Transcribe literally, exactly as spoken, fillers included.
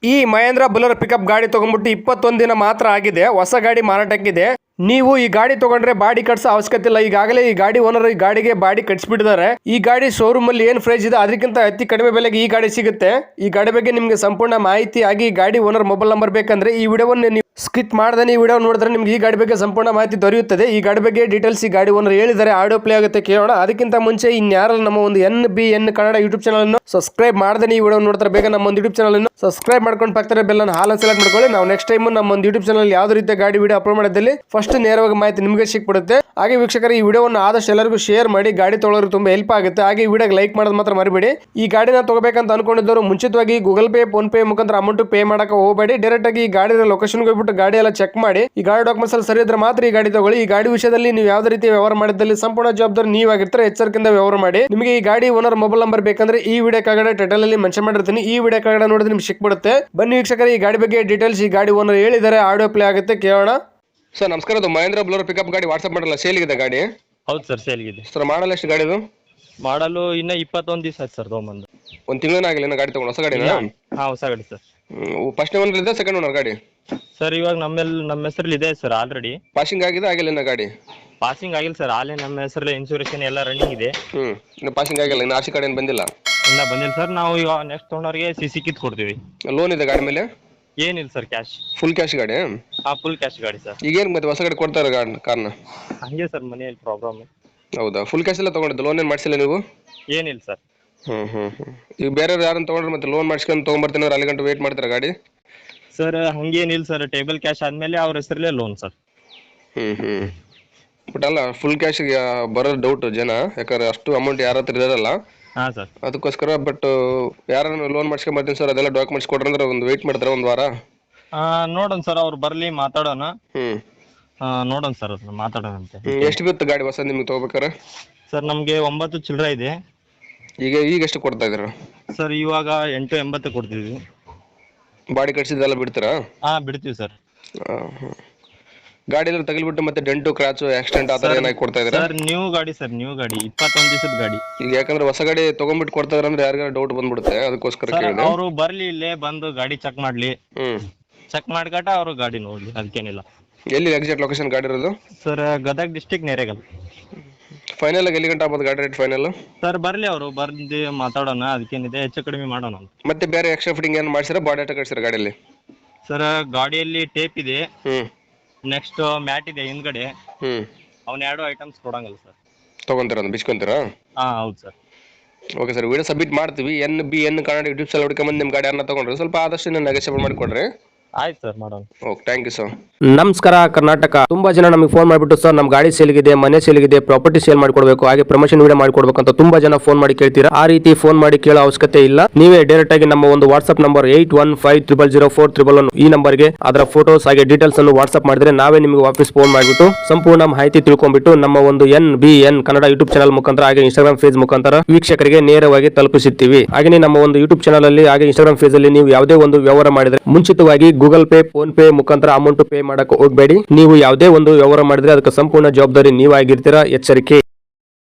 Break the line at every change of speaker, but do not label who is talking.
ಈ Mahendra Bolero pickup ಗಾಡಿ ತಗೊಂಡ್ಬಿಟ್ಟು ಇಪ್ಪತ್ತೊಂದು ದಿನ ಮಾತ್ರ ಆಗಿದೆ. ಹೊಸ ಗಾಡಿ ಮಾರಾಟಕ್ಕಿದೆ. ನೀವು ಈ ಗಾಡಿ ತಗೊಂಡ್ರೆ ಬಾಡಿ ಕಟ್ಸೋ ಅವಶ್ಯಕತೆ ಇಲ್ಲ. ಈಗಾಗಲೇ ಈ ಗಾಡಿ ಓನರ್ ಈ ಗಾಡಿಗೆ ಬಾಡಿ ಕಟ್ಸಿಬಿಟ್ಟಿದ್ದಾರೆ. ಈ ಗಾಡಿ ಶೋರೂಮ್ ಅಲ್ಲಿ ಏನ್ ಪ್ರೈಸ್ ಇದೆ ಅದಕ್ಕಿಂತ ಅತಿ ಕಡಿಮೆ ಬೆಲೆಗೆ ಈ ಗಾಡಿ ಸಿಗುತ್ತೆ. ಈ ಗಾಡಿ ಬಗ್ಗೆ ನಿಮ್ಗೆ ಸಂಪೂರ್ಣ ಮಾಹಿತಿ ಆಗಿ ಈ ಗಾಡಿ ಓನರ್ ಮೊಬೈಲ್ ನಂಬರ್ ಬೇಕಂದ್ರೆ ಈ ವಿಡಿಯೋವನ್ನು ನೀವು ಸ್ಕಿಪ್ ಮಾಡದೆ ಈ ವಿಡಿಯೋ ನೋಡಿದ್ರೆ ನಿಮ್ಗೆ ಈ ಗಾಡಿ ಬಗ್ಗೆ ಸಂಪೂರ್ಣ ಮಾಹಿತಿ ದೊರೆಯುತ್ತದೆ. ಈ ಗಾಡಿ ಬಗ್ಗೆ ಡೀಟೇಲ್ಸ್ ಈ ಗಾಡಿ ಓನರ್ ಹೇಳಿದ್ದಾರೆ. ಆಡಿಯೋ ಪ್ಲೇ ಆಗುತ್ತೆ, ಕೇಳೋಣ. ಅದಕ್ಕಿಂತ ಮುಂಚೆ ಇನ್ಯಾರಲ್ಲ ನಮ್ಮ ಒಂದು N B N Kannada YouTube channel ಅನ್ನು ಸಬ್ಸ್ಕ್ರೈಬ್ ಮಾಡದೆ ಈ ವಿಡಿಯೋ ನೋಡ್ತಾರೆ ಬೇಗ ನಮ್ಮ ಒಂದು ಯೂಟ್ಯೂಬ್ ಚಾನಲ್ ಅನ್ನು ಸಬ್ಸ್ಕ್ರೈಬ್ ಮಾಡ್ಕೊಂಡು ಪಕ್ಕದ ಬೆಲ್ ಅನ್ನು ಹಾಲ್ ಸೆಲೆಕ್ಟ್ ಮಾಡ್ಕೊಳ್ಳಿ. ನಾವು ನೆಕ್ಸ್ಟ್ ಟೈಮ್ ನಮ್ಮ ಒಂದು ಯೂಟ್ಯೂಬ್ ಚಾನಲ್ ಯಾವ್ದು ರೀತಿಯ ಗಾಡಿ ವಿಡಿಯೋ ಅಪ್ಲೋಡ್ ಮಾಡಿದಲ್ಲಿ ಫಸ್ಟ್ ನೇರವಾಗಿ ಮಾಹಿತಿ ನಿಮಗೆ ಸಿಕ್ಬಿಡುತ್ತೆ. ಹಾಗೆ ವೀಕ್ಷಕರು ಈ ವಿಡಿಯೋವನ್ನು ಆದಷ್ಟು ಎಲ್ಲರಿಗೂ ಶೇರ್ ಮಾಡಿ. ಗಾಡಿ ತೊಗೊಳ್ಳೋರು ತುಂಬಾ ಹೆಲ್ಪ್ ಆಗುತ್ತೆ. ಹಾಗೆ ಈ ವಿಡಿಯೋಗೆ ಲೈಕ್ ಮಾಡೋದು ಮಾತ್ರ ಮರಿಬೇಡಿ. ಈ ಗಾಡಿನ ತಗೋಬೇಕಂತ ಅನ್ಕೊಂಡಿದ್ದವರು ಮುಂಚಿತವಾಗಿ ಗೂಗಲ್ ಪೇ ಫೋನ್ ಪೇ ಮುಖಾಂತರ ಅಮೌಂಟ್ ಪೇ ಮಾಡಕ್ಕೆ ಹೋಗಬೇಡಿ. ಡೈರೆಕ್ಟ್ ಆಗಿ ಈ ಗಾಡಿ ಲೊಕೇಶನ್ಗೆ ಹೋಗ್ಬಿಟ್ಟು ಗಾಡಿ ಎಲ್ಲ ಚೆಕ್ ಮಾಡಿ. ಈ ಗಾಡಿ ಡಾಕ್ಯುಮೆಂಟ್ಸ್ ಅಲ್ಲಿ ಸರಿ ಇದ್ರೆ ಮಾತ್ರ ಈ ಗಾಡಿ ತಗೊಳ್ಳಿ. ಈ ಗಾಡಿ ವಿಷಯದಲ್ಲಿ ನೀವು ಯಾವುದೇ ರೀತಿ ವ್ಯವಹಾರ ಮಾಡಿದಲ್ಲಿ ಸಂಪೂರ್ಣ ಜವಾಬ್ದಾರಿ ನೀವಾಗಿರ್ತಾರೆ. ಎಚ್ಚರಿಕೆಯಿಂದ ವ್ಯವಹಾರ ಮಾಡಿ. ನಿಮಗೆ ಈ ಗಾಡಿ ಓನರ್ ಮೊಬೈಲ್ ನಂಬರ್ ಬೇಕಂದ್ರೆ ಈ ವಿಡಿಯೋ ಕೆಳಗಡೆ ಟೈಟಲ್ ಅಲ್ಲಿ ಮೆನ್ಷನ್ ಮಾಡಿರ್ತೀನಿ. ಈ ವಿಡಿಯೋ ಕೆಳಗಡೆ ನೋಡಿದ್ರೆ ನಿಮ್ಗೆ ಸಿಕ್ಬಿಡುತ್ತೆ. ಬನ್ನಿ ವೀಕ್ಷಕರೇ, ಈ ಗಾಡಿ ಬಗ್ಗೆ ಡೀಟೇಲ್ಸ್ ಈ ಗಾಡಿ ಓನರ್ ಹೇಳಿದ್ದಾರೆ. ಆಡಿಯೋ ಪ್ಲೇ ಆಗುತ್ತೆ, ಕೇಳೋಣ. ಸರ್ ನಮಸ್ಕಾರ. ಅದು ಮಹೇಂದ್ರ ಬುಲರ್ ಪಿಕಪ್ ಗಾಡಿ ವಾಟ್ಸ್ಆಪ್ ಮಾಡಲ್ಲ, ಸೇಲ್ಗಿದೆ ಗಾಡಿ?
ಹೌದು ಸರ್, ಸೇಲ್ಗಿದೆ
ಸರ್. ಮಾಡಲ್ಲ ಎಷ್ಟು ಗಾಡಿದು?
ಮಾಡಲು ಇನ್ನ ಇಪ್ಪತ್ತೊಂದು ದಿವಸ ಆಯ್ತು ಸರ್ ತೊಗೊಂಬಂದು.
ಒಂದು ತಿಂಗಳೇ ಆಗಿಲ್ಲ ಗಾಡಿ ತಗೊಂಡು? ಹೊಸ ಗಾಡಿನ?
ಹಾ, ಹೊಸ ಗಾಡಿ ಸರ್.
ಫಸ್ಟ್ ಓನರ್ ಇದೆ, ಸೆಕೆಂಡ್ ಓನರ್ ಗಾಡಿ?
ಸರ್ ಇವಾಗ ನಮ್ಮೆಲ್ ನಮ್ಮ ಹೆಸರಲ್ಲಿ ಇದೆ ಸರ್ ಆಲ್ರೆಡಿ.
ಪಾಸಿಂಗ್ ಆಗಿದೆ ಆಗಿಲ್ಲ ಇನ್ನ ಗಾಡಿ?
ಪಾಸಿಂಗ್ ಆಗಿಲ್ಲ ಸರ್, ಆಲೇ ನಮ್ಮ ಹೆಸರಲ್ಲಿ ಇನ್ಸೂರೆನ್ಸ್ ಎಲ್ಲ ರನ್ನಿಂಗ್ ಇದೆ.
ಹ್ಮ್ ಇನ್ನು ಪಾಸಿಂಗ್ ಆಗಿಲ್ಲ, ಇನ್ನು ಆರ್ಸಿ ಕಾರ್ಡ್ ಏನು ಬಂದಿಲ್ಲ?
ಇನ್ನ ಬಂದಿಲ್ಲ ಸರ್. ನಾವು ಈಗ ನೆಕ್ಸ್ಟ್ ತೊಗೊಂಡವ್ರಿಗೆ ಸಿ ಸಿ ಕಿತ್ ಕೊಡ್ತೀವಿ.
ಲೋನ್ ಇದೆ ಗಾಡಿ ಮೇಲೆ?
ಏನಿಲ್ಲ ಸರ್, ಕ್ಯಾಶ್.
ಫುಲ್ ಕ್ಯಾಶ್ ಗಾಡಿ?
ಹಾ, ಫುಲ್ ಕ್ಯಾಶ್ ಗಾಡಿ ಸರ್.
ಈಗ ಏನು ಮತ್ತೆ ಹೊಸ ಗಾಡಿ ಕೊಡ್ತಾರೆ ಕಾರ್ನ?
ಹಂಗೆ ಸರ್, ಮನೆಯಲ್ಲಿ ಪ್ರಾಬ್ಲಮ್.
ಹೌದಾ? ಫುಲ್ ಕ್ಯಾಶ್ ಎಲ್ಲ ತಗೊಂಡಿದ್ದು, ಲೋನ್ ಏನು ಮಾಡಿಸಿಲ್ಲ ನೀವು?
ಏನಿಲ್ಲ ಸರ್.
ಹ್ಮ್ ಹ್ಮ್ ಹ್ಮ್ ಈಗ ಬೇರೆ ಯಾರನ್ನ ತಗೊಂಡ್ರೆ ಮತ್ತೆ ಲೋನ್ ಮಾಡಿಸ್ಕೊಂಡು ತೊಗೊಂಬರ್ತೀನಿ ಅಂದ್ರೆ ಅಲ್ಲಿ ಗಂಟೆ ವೇಟ್ ಮಾಡ್ತಾರೆ ಗಾಡಿ?
ಸರ್ ಹಂಗೇನಿಲ್ಲ ಸರ್, ಟೇಬಲ್ ಕ್ಯಾಶ್ ಆದ್ಮೇಲೆ ಅವ್ರ ಹೆಸರಲ್ಲೇ loan sir.
Hmm hmm but ಅಲ್ಲ, ಫುಲ್ ಕ್ಯಾಶಿಗೆ ಬರೋದು ಡೌಟ್ ಜನ, ಯಾಕಂದ್ರೆ ಅಷ್ಟು ಅಮೌಂಟ್ ಯಾರ ಹತ್ರ ಇರೋದಲ್ಲ.
ಹಾ ಸರ್.
ಅದಕ್ಕೋಸ್ಕರ. ಬಟ್ ಯಾರನ್ನ ಲೋನ್ ಮಾಡಿಸ್ಕೊಂಡ್ ಬರ್ತೀನಿ ಸರ್ ಅದೆಲ್ಲ ಡಾಕ್ಯುಮೆಂಟ್ಸ್ ಕೊಡ್ರಿ ಅಂದ್ರೆ ಒಂದು ವೇಟ್ ಮಾಡ್ತಾರೆ ಒಂದು ವಾರ.
ನೋಡೋಣ ಸರ್, ಅವ್ರು ಬರ್ಲಿ ಮಾತಾಡೋಣ.
ಹ್ಮ್
ನೋಡೋಣ ಸರ್, ಅದನ್ನ ಮಾತಾಡೋಣ ಅಂತ.
ಎಷ್ಟು ಬಿತ್ತು ಗಾಡಿ ಹೊಸ ನಿಮ್ಗೆ ತಗೋಬೇಕಾರೆ?
ಸರ್ ನಮ್ಗೆ ಒಂಬತ್ತು ಚಿಲ್ಲರೆ ಇದೆ.
ಈಗ ಈಗ ಎಷ್ಟು ಕೊಡ್ತಾ ಇದ್ದೀರಾ
ಸರ್? ಇವಾಗ ಎಂಟು ಎಂಬತ್ತು ಕೊಡ್ತಿದ್ವಿ.
ಬಾಡಿ ಕಟ್ಸಿದ್ದೆಲ್ಲ ಬಿಡ್ತೀರಾ?
ಹಾ, ಬಿಡ್ತೀವಿ ಸರ್.
ಗಾಡಿ ಎಲ್ಲ ತಗಲ್ಬಿಟ್ಟು ಮತ್ತೆ ಡೆಂಟು ಕ್ರಾಚು ಆಕ್ಸಿಡೆಂಟ್ ಆ ಥರ ಏನಾಗಿ ಕೊಡ್ತಾ ಇದ್ದೀರಾ?
ಸರ್ ನ್ಯೂ ಗಾಡಿ ಸರ್, ನ್ಯೂ ಗಾಡಿ, ಇಪ್ಪತ್ತೊಂದು ದಿವಸದ ಗಾಡಿ.
ಈಗ ಯಾಕಂದ್ರೆ ಹೊಸ ಗಾಡಿ ತಗೊಂಡ್ಬಿಟ್ಟು ಕೊಡ್ತಾ ಇದಾರೆ ಅಂದ್ರೆ ಯಾರಿಗಾರ ಡೌಟ್ ಬಂದ್ಬಿಡುತ್ತೆ, ಅದಕ್ಕೋಸ್ಕರ ಕೇಳಿದೆ.
ಅವರು ಬರ್ಲಿ, ಇಲ್ಲೇ ಬಂದು ಗಾಡಿ ಚೆಕ್ ಮಾಡ್ಲಿ.
ಹ್ಮ್
ಚೆಕ್ ಮಾಡ್ಕಟ ಅವರು ಗಾಡಿ ನೋಡ್ಲಿ, ಅದಕ್ಕೇನಿಲ್ಲ.
ಎಲ್ಲಿ ಎಕ್ಸಾಕ್ಟ್ ಲೊಕೇಶನ್ ಗಾಡಿ ಇರೋದು?
Sir Gadag district Naregal.
Final ಆಗಿ ಎಲ್ಲಿ ಗಂಟೆ ಆಗ್ಬೋದು ಗಾಡಿ ರೇಟ್ ಫೈನಲ್?
ಸರ್ ಬರ್ಲಿ, ಅವರು ಬರ್ದು ಮಾತಾಡೋಣ, ಅದಕ್ಕೇನಿದೆ ಹೆಚ್ಚು ಕಡಿಮೆ ಮಾಡೋಣ ಅಂತ.
ಮತ್ತೆ ಬೇರೆ ಎಕ್ಸ್ಟ್ರಾ ಫಿಟ್ಟಿಂಗ್ ಏನು ಮಾಡ್ಸಿರಾ? ಬಾಡಿ ಆಟ ಕಟ್ಸಿರ ಗಾಡಿಯಲ್ಲಿ?
ಸರ್ ಗಾಡಿಯಲ್ಲಿ ಟೇಪ್ ಇದೆ,
ಹ್ಮ್
ನೆಕ್ಸ್ಟ್ ಮ್ಯಾಟ್ ಇದೆ ಹಿಂದ್ಗಡೆ.
ಹ್ಮ್
ಅವ್ನ ಎರಡು ಐಟಮ್ಸ್ ಕೊಡಂಗಲ್ಲ ಸರ್.
ತಗೊಂತೀರಾ, ಬಿಚ್ಕೊಂತೀರಾ?
ಹಾ ಹೌದು sir.
Okay sir, video submit ಮಾಡ್ತೀವಿ. N B N Kannada YouTube channel ಹುಡ್ಕೊಂಬಂದು ನಿಮ್ಮ ಗಾಡಿ ಯಾರನ್ನ ತಗೊಂಡ್ರೆ ಸ್ವಲ್ಪ ಆದಷ್ಟು ನೆಗೋಷಿಯೇಟ್ ಮಾಡಿಕೊಡ್ರಿ.
ಆಯ್ತು ಸರ್, ಮಾಡೋಣ.
Okay, thank you sir.
ನಮಸ್ಕಾರ ಕರ್ನಾಟಕ. ತುಂಬಾ ಜನ ನಮಗೆ ಫೋನ್ ಮಾಡಿಬಿಟ್ಟು ಸರ್ ನಮ್ಮ ಗಾಡಿ ಸೇಲ್ಗಿದೆ, ಮನೆ ಸೇಲ್ಗಿದೆ, ಪ್ರಾಪರ್ಟಿ ಸೇಲ್ ಮಾಡ್ಕೊಡ್ಬೇಕು, ಹಾಗೆ ಪ್ರಮೋಷನ್ ವಿಡಿಯೋ ಮಾಡ್ಕೊಡ್ಬೇಕು ಅಂತ ತುಂಬಾ ಜನ ಫೋನ್ ಮಾಡಿ ಕೇಳ್ತೀರಾ. ಆ ರೀತಿ ಫೋನ್ ಮಾಡಿ ಕೇಳೋ ಅವಶ್ಯಕತೆ ಇಲ್ಲ. ನೀವೇ ಡೈರೆಕ್ಟ್ ಆಗಿ ನಮ್ಮ ಒಂದು WhatsApp number eight one five triple zero four triple one ಈ ನಂಬರ್ಗೆ ಅದರ ಫೋಟೋಸ್ ಹಾಗೆ ಡೀಟೇಲ್ಸ್ ಅನ್ನು ವಾಟ್ಸ್ಆಪ್ ಮಾಡಿದ್ರೆ ನಾವೇ ನಿಮಗೆ ವಾಪಸ್ ಫೋನ್ ಮಾಡಿಬಿಟ್ಟು ಸಂಪೂರ್ಣ ಮಾಹಿತಿ ತಿಳ್ಕೊಂಡ್ಬಿಟ್ಟು ನಮ್ಮ ಒಂದು N B N Kannada YouTube channel ಮುಖಾಂತರ ಹಾಗೆ ಇನ್ಸ್ಟಾಗ್ರಾಮ್ ಪೇಜ್ ಮುಖಾಂತರ ವೀಕ್ಷಕರಿಗೆ ನೇರವಾಗಿ ತಲುಪಿಸುತ್ತೀವಿ. ಹಾಗೆ ನಮ್ಮ ಒಂದು ಯೂಟ್ಯೂಬ್ ಚಾನಲ್ ಅಲ್ಲಿ ಹಾಗೆ ಇನ್ಸ್ಟಾಗ್ರಾಮ್ ಪೇಜ್ ಅಲ್ಲಿ ನೀವು ಯಾವುದೇ ಒಂದು ವ್ಯವಹಾರ ಮಾಡಿದ್ರೆ ಮುಂಚಿತವಾಗಿ ಗೂಗಲ್ ಪೇ ಫೋನ್ ಪೇ ಮುಖಾಂತರ ಅಮೌಂಟ್ ಪೇ ಮಾಡಕ್ಕೆ ಹೋಗಬೇಡಿ. ನೀವು ಯಾವುದೇ ಒಂದು ವ್ಯವಹಾರ ಮಾಡಿದ್ರೆ ಅದಕ್ಕೆ ಸಂಪೂರ್ಣ ಜವಾಬ್ದಾರಿ ನೀವಾಗಿರ್ತೀರಾ. ಎಚ್ಚರಿಕೆ.